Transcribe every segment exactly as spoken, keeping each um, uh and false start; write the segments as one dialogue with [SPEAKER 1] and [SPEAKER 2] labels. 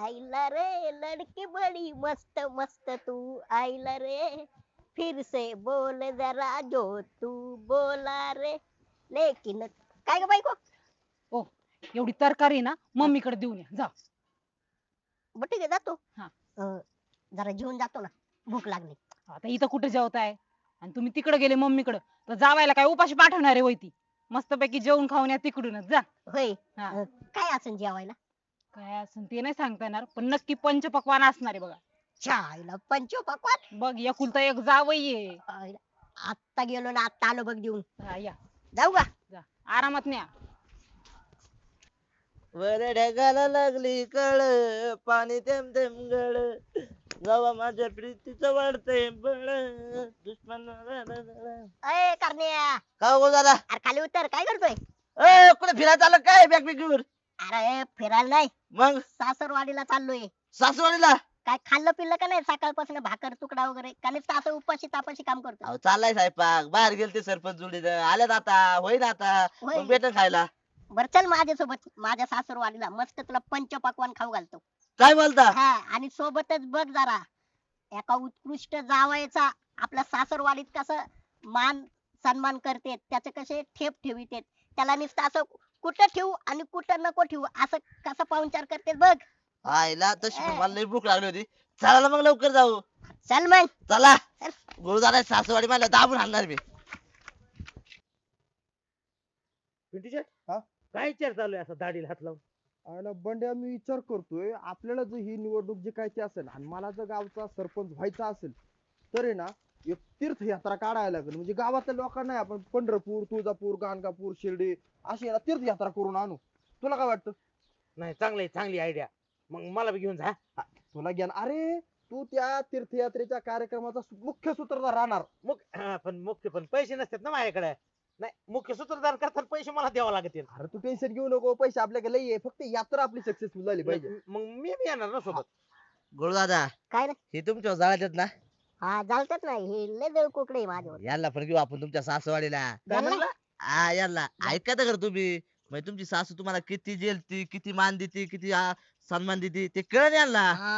[SPEAKER 1] आईला रे लड़की बड़ी मस्त मस्त तू आईला रे फिर से बोल जरा जो तू बोला रे लेकिन काय ग बायको.
[SPEAKER 2] ओ एवढी तरकारी ना मम्मीकडे देऊन या जा.
[SPEAKER 1] बरं ठीक आहे जातो.
[SPEAKER 2] हा.
[SPEAKER 1] अं, जरा जेवून जातो ना भूक लागली.
[SPEAKER 2] आता इथं कुठे जेवताय आणि तुम्ही तिकडे गेले मम्मीकडे तर जावायला काय उपाशी पाठवणार आहे होय ती. मस्तपैकी जेवून खाऊन या तिकडूनच जा.
[SPEAKER 1] होय.
[SPEAKER 2] हा.
[SPEAKER 1] अं, काय असेल जेवायला.
[SPEAKER 2] काय असं ते नाही सांगता येणार पण नक्की पंचपक्वान असणार आहे बघा.
[SPEAKER 1] चायला पंचोपक्वान.
[SPEAKER 2] बघ एकुलता एक जावई आहे.
[SPEAKER 1] आईला, आत्ता गेलो ना आत्ता आलो बघ देऊन.
[SPEAKER 2] हा, या
[SPEAKER 1] जाऊ का.
[SPEAKER 2] जा आरामात न्या.
[SPEAKER 3] वर ढगाला लागली कळ पाणी थेंब थेंब गळ गावा माझ्या प्रीतीचं वाढतंय बळ दुश्मन
[SPEAKER 1] अय करण्या.
[SPEAKER 3] का हो दादा
[SPEAKER 1] अरे खाली उतर काय करतोय.
[SPEAKER 3] ए कुठे फिरायला आलं काय बॅग बिग घेऊन
[SPEAKER 1] अरे फिरायला नाही
[SPEAKER 3] मग
[SPEAKER 1] सासरवाडीला चाललोय.
[SPEAKER 3] सासवडीला
[SPEAKER 1] काय खाल्लं पिल्लं का नाही सकाळपासून भाकर तुकडा वगैरे का नुसतं असं उपाशी तापाशी काम करतो.
[SPEAKER 3] अहो चाललाय स्वयंपाक बाहेर गेलते सरपंच जोडीनं आल्यात आता होईन आता
[SPEAKER 1] होय.
[SPEAKER 3] मग भेटन खायला
[SPEAKER 1] बर चल माझ्यासोबत माझ्या सासरवाडीला मस्त तुला पंचपक्वान खाऊ घालतो.
[SPEAKER 3] काय बोलता
[SPEAKER 1] हा आणि सोबतच बघ जरा एका उत्कृष्ट जावयाचा आपल्या सासरवाडीत कसं मान सन्मान करते त्याचे कसे ठेप ठेवित त्याला नुसतं असं कुठं ठेवू आणि कुठं नको ठेवू असं कसं पाहुणचार करते बघ.
[SPEAKER 3] आईला तशी पण मला लई भूक लागली होती चला ना मग लवकर जाऊ
[SPEAKER 1] चल मग
[SPEAKER 3] चला
[SPEAKER 1] चल.
[SPEAKER 3] गुरुदादा सासवाडी मला दाबून आणणार मी
[SPEAKER 4] पिंटू शेट
[SPEAKER 5] हा?
[SPEAKER 4] काय विचार चालू आहे असा दाढीला हात लावून.
[SPEAKER 5] आणि बंड्या मी विचार करतोय आपल्याला जर ही निवडणूक जिंकायची असेल आणि मला जर गावचा सरपंच व्हायचा असेल तर आहे ना एक तीर्थयात्रा काढायला लागेल म्हणजे गावातल्या लोकांना आपण पंढरपूर तुळजापूर गाणगापूर शिर्डी अशी याला तीर्थयात्रा करून आणू. तुला काय वाटतं.
[SPEAKER 4] नाही चांगली चांगली आयडिया मग मला बी घेऊन जा.
[SPEAKER 5] तुला ज्ञान अरे तू त्या तीर्थयात्रेच्या कार्यक्रमाचा मुख्य सूत्रधार राहणार.
[SPEAKER 4] मुख हा, पण मुख्य पण पैसे नसतात ना माझ्याकडे. नाही मुख्य सूत्रधार करताना पैसे मला द्यावा लागतील.
[SPEAKER 5] अरे तू टेन्शन घेऊ नको पैसे आपल्याकडे लई आहे फक्त यात्रा आपली सक्सेसफुल झाली पाहिजे.
[SPEAKER 4] मग मी बी येणार ना सोबत.
[SPEAKER 3] गुरुदादा
[SPEAKER 1] काय रे.
[SPEAKER 3] हे तुमच्या जाळ्यात ना
[SPEAKER 1] हा चालतात नाही हे लय देव कोकडे माझ्यावर.
[SPEAKER 3] याला पण घेऊ आपण तुमच्या सासवाडीला
[SPEAKER 4] काय
[SPEAKER 1] जमलं?
[SPEAKER 4] म्हणला?
[SPEAKER 3] हा याला ऐका तर तुम्ही म्हणजे तुमची सासू तुम्हाला किती जेलती किती मान देते किती आ, सन्मान देते ते कळण याला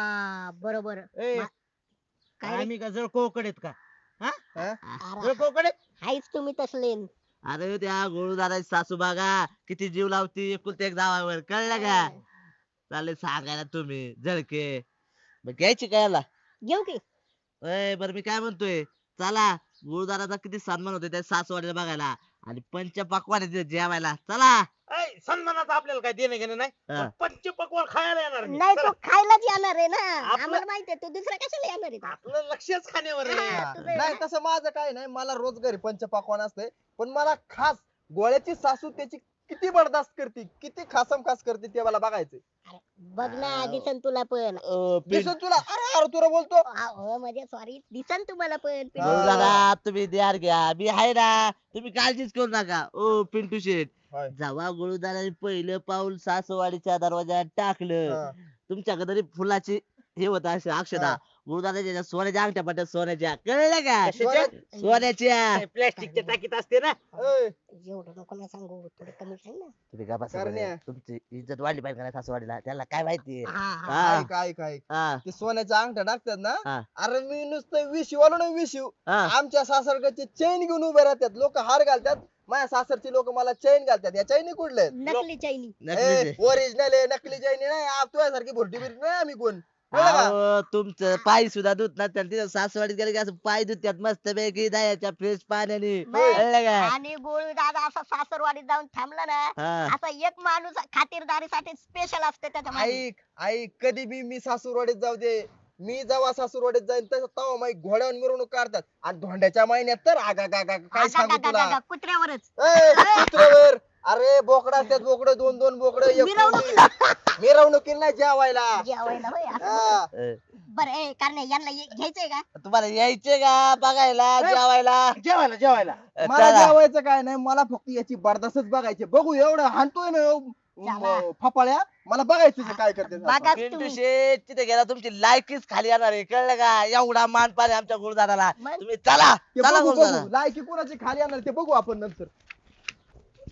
[SPEAKER 1] हा बरोबर.
[SPEAKER 4] ए,
[SPEAKER 1] मा- काय रे?
[SPEAKER 4] आम्ही का जळ कोकडेत का
[SPEAKER 5] हा?
[SPEAKER 1] अरे,
[SPEAKER 4] जळ कोकडे.
[SPEAKER 1] हायच तुम्ही तसले.
[SPEAKER 3] अरे त्या गुरुदादाची सासू बघा किती जीव लावती एकुलते एक जावावर कळलं का चालेल सांगायला तुम्ही जळके मग घ्यायची का याला
[SPEAKER 1] घेऊ की.
[SPEAKER 3] अय बरं मी काय म्हणतोय चला गुरुदाराचा किती सन्मान होतोय त्या सासवाडीला बघायला आणि पंचपक्वान आहे तिथे जेवायला चला
[SPEAKER 4] ऐ, सन्मानाचं आपल्याला काय देणं घेणं नाही
[SPEAKER 3] हा.
[SPEAKER 4] पण पंचपक्वान खायला येणार मी.
[SPEAKER 1] नाही
[SPEAKER 4] चला.
[SPEAKER 1] तो खायलाच येणार आहे ना
[SPEAKER 4] आपलं-
[SPEAKER 1] आम्हाला माहितीये तू दुसरा कशाला येणार आहे.
[SPEAKER 4] आपलं लक्षच खाण्यावर आहे.
[SPEAKER 1] हा.
[SPEAKER 5] हा.
[SPEAKER 1] तुझं आहे
[SPEAKER 5] नाही
[SPEAKER 1] ना?
[SPEAKER 5] तसं माझं काय नाही मला रोज घरी पंचपाकवान असते पण मला खास गोळ्याची सासू त्याची किती बर्दाश्त करते किती खासम खास करते ते मला बघायचं.
[SPEAKER 1] बघ ना दिसन तुला पण.
[SPEAKER 3] अ, पिं-
[SPEAKER 5] दिसून तुला अरे अरे तुला बोलतो
[SPEAKER 1] हो म्हणजे सॉरी दिसन तुम्हाला पण.
[SPEAKER 3] गुरुदादा तुम्ही द्यार घ्या मी आहे ना तुम्ही काळजीच करू नका ओ पिंटू शेठ
[SPEAKER 5] होय.
[SPEAKER 3] जेव्हा गुरुदाराने पहिलं पाऊल सासवाडीच्या दरवाजात टाकलं
[SPEAKER 5] हा.
[SPEAKER 3] तुमच्याकडे तरी फुलाची हे होत असे अक्षदा
[SPEAKER 5] हा.
[SPEAKER 3] गुरुदाराच्या सोन्याच्या अंगठ्या पट्ट्या सोन्याच्या कळलं का
[SPEAKER 4] कशाच्या?
[SPEAKER 3] सोन्याच्या
[SPEAKER 4] प्लॅस्टिकच्या टाकीत असते ना.
[SPEAKER 5] ए,
[SPEAKER 1] एवढं नको ना सांगू थोडं कमी सांग ना.
[SPEAKER 3] तुम्ही का बसा
[SPEAKER 5] करण्या.
[SPEAKER 3] बरं. तुमची इज्जत वाढली पाहिजे का नाही सासवाडीला त्याला काय माहिती
[SPEAKER 1] हा, हा.
[SPEAKER 3] हा.
[SPEAKER 5] ऐक ऐक ऐक
[SPEAKER 3] हा
[SPEAKER 5] ते सोन्याच्या अंगठ्या टाकतात ना
[SPEAKER 3] हा.
[SPEAKER 5] अरे मी नुसतं विशिव आलो ना विशिव
[SPEAKER 3] हा
[SPEAKER 5] आमच्या सासरकडचे चैन घेऊन उभे राहतात लोक हार घालतात माझ्या सासरची लोक मला चैन घालतात या चैनी कुठले
[SPEAKER 1] नकली चैनी.
[SPEAKER 3] नक्कीच.
[SPEAKER 5] ओरिजिनल आहे नकली चैनी नाही आप तुझ्यासारखी भुरटी बिरटी नाही आम्ही कोण कळलं का?
[SPEAKER 3] अहो, तुमचं पाय सुद्धा धुत ना तिथं सासवाडीत गेले की असं पाय धुत्यात मस्त पैकी दयाच्या फ्रेश पाण्याने
[SPEAKER 1] बस.
[SPEAKER 3] कळलं का
[SPEAKER 1] आणि गोळू दादा असा सासरवाडीत जाऊन थांबला ना
[SPEAKER 3] हा
[SPEAKER 1] असा एक माणूस खातिरदारीसाठी स्पेशल असते त्याच्या मागे.
[SPEAKER 5] ऐक ऐक कधी बी मी सासूरवाडीत जाऊ दे मी जेव्हा सासूरवाडीत जाईन तसं तेव्हा माई घोड्यावर मिरवणूक काढतात आणि धोंड्याच्या महिन्यात तर आगा गा गा काय
[SPEAKER 1] आगा,
[SPEAKER 5] सांगू
[SPEAKER 1] गा, गा,
[SPEAKER 5] तुला
[SPEAKER 1] गा, कुत्र्यावरच.
[SPEAKER 5] ए, कुत्र्यावर अरे बोकडा असतात बोकड दोन दोन बोकड
[SPEAKER 1] मिरवणुकीला.
[SPEAKER 5] मिरवणुकीला नाही जेवायला
[SPEAKER 1] जेवायला होय असं.
[SPEAKER 5] हा.
[SPEAKER 3] अ,
[SPEAKER 1] बरं ए कारण यांना ये- घ्यायचंय का.
[SPEAKER 3] तुम्हाला यायचे का बघायला जेवायला
[SPEAKER 4] जेवायला जेवायला.
[SPEAKER 3] अ,
[SPEAKER 5] मला
[SPEAKER 3] चला.
[SPEAKER 5] जेवायचं काय नाही मला फक्त याची बर्दास्तच बघायची बघू एवढं हाणतोय ना
[SPEAKER 1] चला.
[SPEAKER 5] म, फपाळ्या मला बघायचं ते काय करते
[SPEAKER 1] बघा
[SPEAKER 3] पिंटू
[SPEAKER 1] तुम्ही.
[SPEAKER 3] शेठ तिथे गेला तुमची लायकीच खाली येणार आहे कळलं का एवढा मान पाणी आमच्या गुरुदाराला
[SPEAKER 1] मग?
[SPEAKER 3] तुम्ही चला
[SPEAKER 5] ते
[SPEAKER 3] चला
[SPEAKER 5] बघू
[SPEAKER 3] गुरुदारा
[SPEAKER 5] बघू लायकी कोणाची खाली आणणार ते बघू आपण नंतर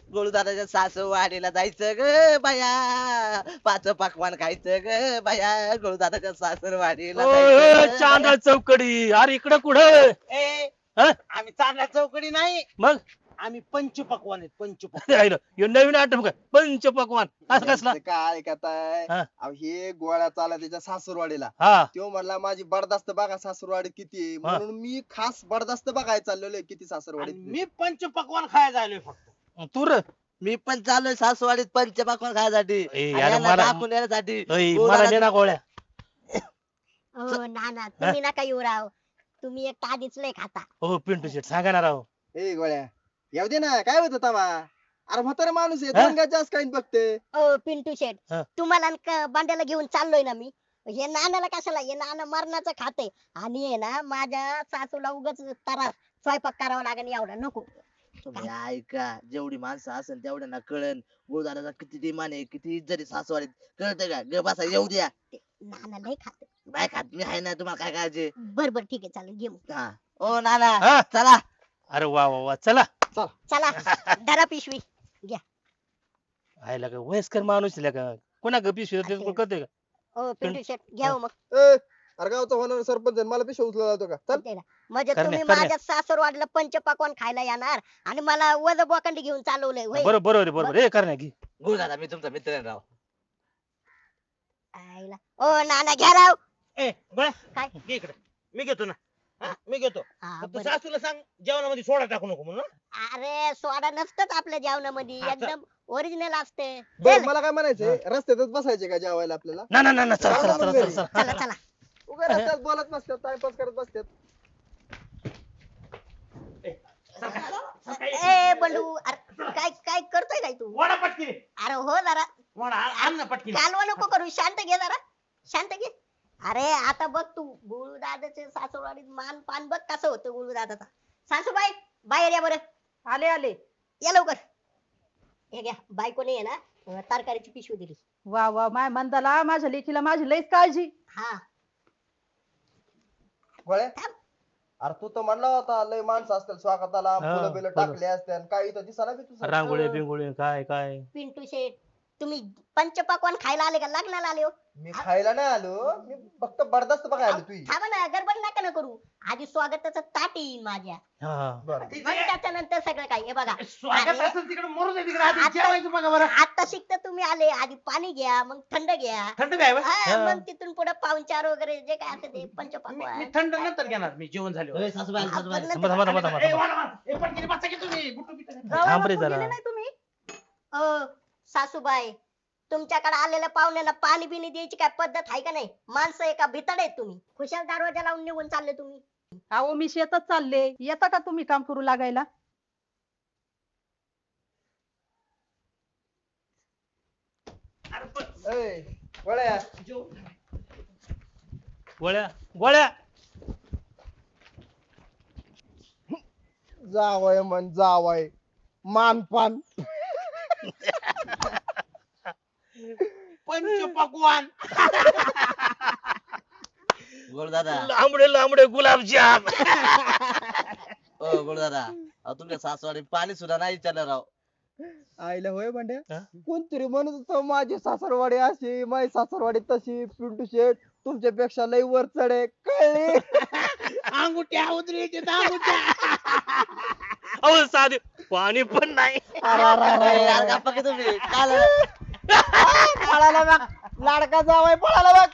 [SPEAKER 3] गोळू दादाच्या सासू वाडीला जायचं ग बाया, पाच पकवान खायचं ग बाया, गोळू दादाच्या सासर वाडीला जायचं.
[SPEAKER 6] चांदा चौकडी, अरे इकडं कुठं?
[SPEAKER 4] ए
[SPEAKER 6] हा?
[SPEAKER 4] आम्ही चांगल्या चौकडी नाही,
[SPEAKER 6] मग
[SPEAKER 4] आम्ही पंचपक्वान आहेत पंचपक्वान.
[SPEAKER 6] राहिलं. ह्यो नवीन आटम काय पंच पकवान असं कसला?
[SPEAKER 5] यांचं काय ऐकताय
[SPEAKER 6] हा.
[SPEAKER 5] अहो, हे गोळ्या चाला त्याच्या सासूरवाडीला
[SPEAKER 6] हा
[SPEAKER 5] तो म्हणला माझी बडदास्त बघा सासूरवाडी किती आहे.
[SPEAKER 6] हा.
[SPEAKER 5] म्हणून मी खास बडदास्त बघायला चाललेलो आहे किती
[SPEAKER 4] आणि
[SPEAKER 5] सासूरवाडी
[SPEAKER 4] मी पंचपक्वान खायला जायलोय फक्त.
[SPEAKER 6] तू र
[SPEAKER 3] मी पण चाललोय सासूवाडीत पंच पकवान खायसाठी
[SPEAKER 6] ए,
[SPEAKER 3] आणि
[SPEAKER 6] यार
[SPEAKER 3] यांना
[SPEAKER 6] मला-
[SPEAKER 3] दाखवून येण्यासाठी.
[SPEAKER 6] ऐ,
[SPEAKER 3] गोळू
[SPEAKER 6] मला
[SPEAKER 3] दादा-
[SPEAKER 6] दे ना गोळ्या.
[SPEAKER 1] हो ना ना तुम्ही नका येऊ राव, तुम्ही एक आधीच लय खाता.
[SPEAKER 6] हो पिंटू शेट सांगा ना राव.
[SPEAKER 5] ए गोळ्या येऊ दे ना, काय होत तमा? अरे म्हातारा माणूस आहे,
[SPEAKER 6] हा?
[SPEAKER 5] दोन गाय जास्त काही बघते.
[SPEAKER 1] ओ पिंटू शेट,
[SPEAKER 6] हा.
[SPEAKER 1] तुम्हाला न क- बांड्याला घेऊन चाललोय ना मी. हे नानाला कशाला, हे नाना मरणाचं खाते आणि हे ना माझ्या सासूला उगाच तरा स्वयंपाक करावा लागेल एवढा नको.
[SPEAKER 3] तुम्ही ऐका, जेवढी माणसं असेल तेवढ्यांना कळन गोळू दादाचा किती डिमांड आहे, किती इज्जत आहे सासूवाडीत, कळतंय का? ग बसा, येऊ द्या.
[SPEAKER 1] नाना लय खाते.
[SPEAKER 3] नाही खात मी, आहे ना, तुम्हाला काय काळजी?
[SPEAKER 1] बर बर ठीक आहे चालेल घे मग.
[SPEAKER 3] हा. ओ नाना
[SPEAKER 6] हा?
[SPEAKER 3] चला.
[SPEAKER 6] अरे वा वा वा चला.
[SPEAKER 1] चला धरा पिशवी.
[SPEAKER 6] आयला का वयस्कर माणूस आहे का? कोणा ग पिशवी देतो कोण कळतंय का?
[SPEAKER 1] ओ पिंटू शेट घ्या हो मग.
[SPEAKER 5] ए, अरे गावचा होणार सरपंच आहे, मला पिशा उचला जातो का? चल.
[SPEAKER 1] दे ना. म्हणजे
[SPEAKER 6] करण्या-
[SPEAKER 1] तुम्ही
[SPEAKER 6] करण्या.
[SPEAKER 1] माझ्या सासरवाडीला पंचपक्वान खायला येणार आणि मला वज बोकांडी घेऊन चालवलंय होय.
[SPEAKER 6] बरोबर बरोबर आहे, बरोबर हे करण्या की.
[SPEAKER 3] गोळू दादा मी तुमचा मित्र आहे राव.
[SPEAKER 1] आईला. ओ नाना घ्या राव.
[SPEAKER 4] ए गोळ्या
[SPEAKER 1] काय?
[SPEAKER 4] घे इकडे, मी घेतो ना. हा, मी घेतो.
[SPEAKER 1] हा,
[SPEAKER 4] फक्त
[SPEAKER 1] बरं.
[SPEAKER 4] सासूला सांग जेवणामध्ये सोडा टाकू नको म्हणून.
[SPEAKER 1] अरे सोडा नसतच आपल्या जेवणामध्ये,
[SPEAKER 4] हा, चल.
[SPEAKER 1] एकदम ओरिजिनल असते.
[SPEAKER 5] बरं,
[SPEAKER 1] चल,
[SPEAKER 5] मला काय म्हणायचंय, रस्त्यातच बसायचे का जेवायला आपल्याला?
[SPEAKER 6] ना ना ना ना चला चला चला चला चला.
[SPEAKER 1] चला चला.
[SPEAKER 5] उगा रस्त्यात बोलत नसतात, टाइमपास करत बसतात.
[SPEAKER 1] ए बंडू, अरे काय काय करतोय काय तू?
[SPEAKER 4] वडा पटकी
[SPEAKER 1] अरे हो जरा
[SPEAKER 4] वडा आण ना पटकी.
[SPEAKER 1] कालवा नको करू, शांत घे जरा, शांत घे. अरे आता बघ तू गुळू दादाचे सासूरवाडीत मान पान बघ कसं होतं गुळू दादाचा. सासूबाई बाहेर या बरं.
[SPEAKER 2] आले आले.
[SPEAKER 1] या लवकर. हे घ्या, बायकोने आहे ना अं, तरकारीची पिशवी दिली.
[SPEAKER 2] वा वा माय मंदाला, माझ्या लेकीला माझी लईच काळजी.
[SPEAKER 1] हा
[SPEAKER 5] गोळ्या,
[SPEAKER 1] थांब.
[SPEAKER 5] अरे तू तर म्हणला होता लय माणसं असतील स्वागताला,
[SPEAKER 6] हा,
[SPEAKER 5] फुलं बिलं
[SPEAKER 6] फुलं.
[SPEAKER 5] टाकले असतील, काही तर दिसायला बी तुझं.
[SPEAKER 6] रांगोळी बिंगोळी काय काय.
[SPEAKER 1] पिंटू शेठ, तुम्ही पंचपक्वान खायला आले का लग्नाला आले हो?
[SPEAKER 5] मी खायला नाही आलो, मी फक्त बडदास्त बघायला आलो तुझी.
[SPEAKER 1] थांबा ना, गडबड नका ना करू. आधी स्वागताचं ताट येईल माझ्या,
[SPEAKER 6] हा हा.
[SPEAKER 5] बरं.
[SPEAKER 1] मग त्याच्यानंतर सगळं काय. हे बघा
[SPEAKER 4] स्वागत
[SPEAKER 1] अरे,
[SPEAKER 4] असेल तिकडे मरू दे, तिकडे आधी
[SPEAKER 1] आता-
[SPEAKER 4] जेवायचं बघा बरं.
[SPEAKER 1] आता शिकता तुम्ही आले, आधी पाणी घ्या, मग थंड घ्या.
[SPEAKER 4] थंड काय बा?
[SPEAKER 1] हा,
[SPEAKER 6] हा.
[SPEAKER 1] मग तिथून पुढे पाहुणचार वगैरे जे काय असते ते
[SPEAKER 4] मी मी
[SPEAKER 1] पंचपक्वान.
[SPEAKER 4] थंड नंतर घेणार, मी जेवण झाल्यावर.
[SPEAKER 3] ए, सासूबाई
[SPEAKER 1] आपण
[SPEAKER 3] सासूबाई
[SPEAKER 1] नंतर-
[SPEAKER 6] थांबा थांबा थांबा थांबा
[SPEAKER 4] ए,
[SPEAKER 6] थांबा.
[SPEAKER 4] वडा मार. ए, पटकीने बसा की तुम्ही बुटू बिटू.
[SPEAKER 6] थांब रे जरा.
[SPEAKER 2] गेले नाही तुम्ही?
[SPEAKER 1] अ, सासूबाई, तुमच्याकडे आलेल्या पाहुण्यांना पाणी बिणी द्यायची काय पद्धत आहे का नाही? माणसं एका भितड आहेत तुम्ही. खुशाल दरवाजा लावून निघून चालले तुम्ही.
[SPEAKER 2] अहो मी शेतात चालले, येता का तुम्ही काम करू लागायला?
[SPEAKER 4] अरे, पण
[SPEAKER 5] ए, गोळ्या,
[SPEAKER 4] जेव-
[SPEAKER 6] गोळ्या गोळ्या.
[SPEAKER 5] जावय म्हण जावय, मानपान.
[SPEAKER 4] पंचपक्वान.
[SPEAKER 3] गोळू दादा,
[SPEAKER 6] लांबडे लांबडे गुलाबजाम.
[SPEAKER 3] ओ गोळू दादा, अहो, तुमच्या सासूवाडी पाणी सुद्धा नाही विचारलं राव.
[SPEAKER 5] आईला होय भांड्या,
[SPEAKER 6] हा?
[SPEAKER 5] कोणतरी म्हणत होतं माझी सासरवाडी अशी, माझी सासरवाडी तशी. पिंटू शेठ तुमच्यापेक्षा लई वर चढे, कळले?
[SPEAKER 4] अंगुठ्या उतरायचे अंगुठ्या.
[SPEAKER 6] अहो साधे पाणी पण नाही.
[SPEAKER 3] अरे यार, गप्पा की तुम्ही काय झालं?
[SPEAKER 5] पळाला बघ, लाडका जावाय पळाला बघ.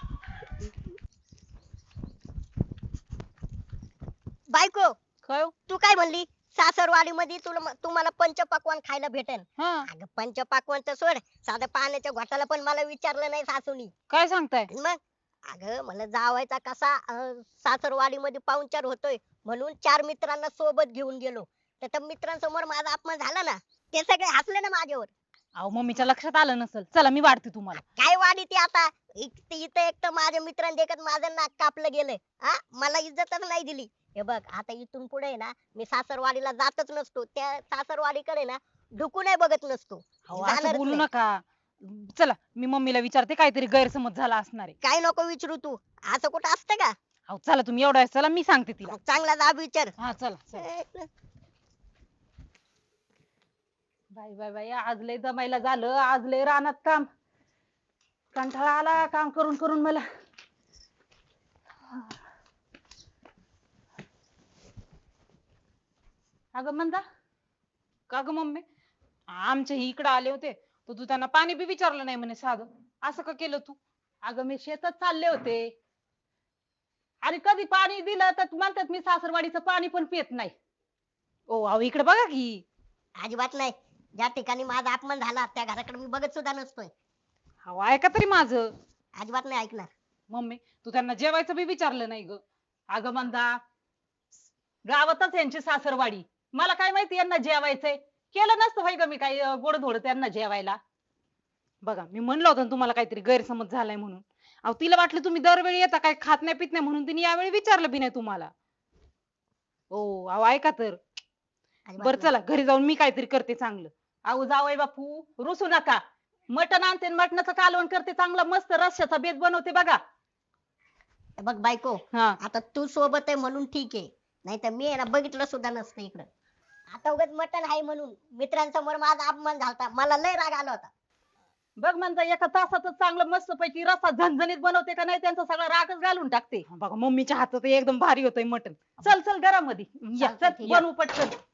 [SPEAKER 1] बायको,
[SPEAKER 2] काय हो?
[SPEAKER 1] तू काय म्हणली? सासरवाडी मध्ये तुला तुम्हाला पंचपक्वान खायला भेटेल.
[SPEAKER 2] हा
[SPEAKER 1] अगं पंचपक्वान तर सोड, साध्या पाण्याच्या घोटाला पण मला विचारलं नाही सासूनी.
[SPEAKER 2] काय सांगताय?
[SPEAKER 1] मग अगं मला जावायचा कसा अं, सासरवाडीमध्ये पाहुणचार होतोय म्हणून चार मित्रांना सोबत घेऊन गेलो. तर त्या मित्रांसमोर माझा अपमान झाला ना, ते सगळे हसले ना माझ्यावर.
[SPEAKER 2] अहो मम्मीच्या लक्षात आलं नसल. चला मी वाढते तुम्हाला.
[SPEAKER 1] काय वाढी ती आता? इथं इथं एक तर माझ्या मित्रांनी देखत माझं नाक कापलं गेलंय. हा, मला इज्जतच नाही दिली. हे बघ आता इथून पुढे ना मी सासरवाडीला जातच नसतो. त्या सासरवाडीकडे ना ढुकूनही बघत नसतो.
[SPEAKER 2] अहो, असं
[SPEAKER 1] जाणारच
[SPEAKER 2] बोलू
[SPEAKER 1] नाही.
[SPEAKER 2] नका. चला मी मम्मीला विचारते, काहीतरी गैरसमज झाला असणार आहे.
[SPEAKER 1] काय नको विचारू तू, असं कुठं असतं का?
[SPEAKER 2] अहो चला तुम्ही एवढा चला, मी सांगते तिला.
[SPEAKER 1] मग चांगला जाब विचार.
[SPEAKER 2] हा चला चला. बाई बाई बाई आज लय दमायला झालं, आज लय रानात काम, कंटाळा आला काम करून करून मला. अगं म्हणता का ग मम्मी, आमच्या इकडे आले होते तर तू त्यांना पाणी बी विचारलं नाही म्हणे साधं, असं का केलं तू? अगं मी शेतात चालले होते आणि कधी पाणी दिलं तर म्हणतात मी सासरवाडीचं पाणी पण पित नाही. ओ अहो इकडे बघा की.
[SPEAKER 1] अजिबात नाही. ज्या ठिकाणी माझा अपमान झाला त्या घराकडे मी बघत सुद्धा नसतोय.
[SPEAKER 2] अहो ऐका तरी माझं.
[SPEAKER 1] अजिबात नाही ऐकणार.
[SPEAKER 2] मम्मी तू त्यांना जेवायचं बी विचारलं नाही ग. अगं म्हणता गावातच यांची सासरवाडी, मला काय माहिती यांना जेवायचंय, केलं नसतं भाई ग मी काही गोड धोड त्यांना जेवायला. बघा मी म्हणलं होतं ना तुम्हाला काहीतरी गैरसमज झालाय म्हणून. अहो तिला वाटलं तुम्ही दरवेळी येता काय खात नाही पित नाही म्हणून तिने यावेळी विचारलं बी नाही तुम्हाला. ओ अहो ऐका तर.
[SPEAKER 1] अजिबात
[SPEAKER 2] बर
[SPEAKER 1] नाही.
[SPEAKER 2] चला घरी जाऊन मी काहीतरी करते चांगलं. अहो जावई बापू रुसू नका, मटण आणते मटणाचं कालवण करते चांगलं मस्त रश्याचा बेत बनवते बघा.
[SPEAKER 1] बघ बायको,
[SPEAKER 2] हा
[SPEAKER 1] आता तू सोबत आहे म्हणून ठीक आहे, नाही तर मी आहे ना बघितलं सुद्धा नसतं इकडं. आता उगाच मटण आहे म्हणून मित्रांसमोर माझा अपमान झालता, मला लय राग आला होता.
[SPEAKER 2] बघ म्हणता एका तासातच चांगलं मस्त पैकी रस्सा झणझणीत बनवते का नाही त्यांचा सगळा रागच घालून टाकते. बघा मम्मीच्या हातात एकदम भारी होतंय मटण. चल चल घरामध्ये या,
[SPEAKER 1] चालतंय,
[SPEAKER 2] चल
[SPEAKER 1] ठीक आहे.
[SPEAKER 2] बनवू पटकन.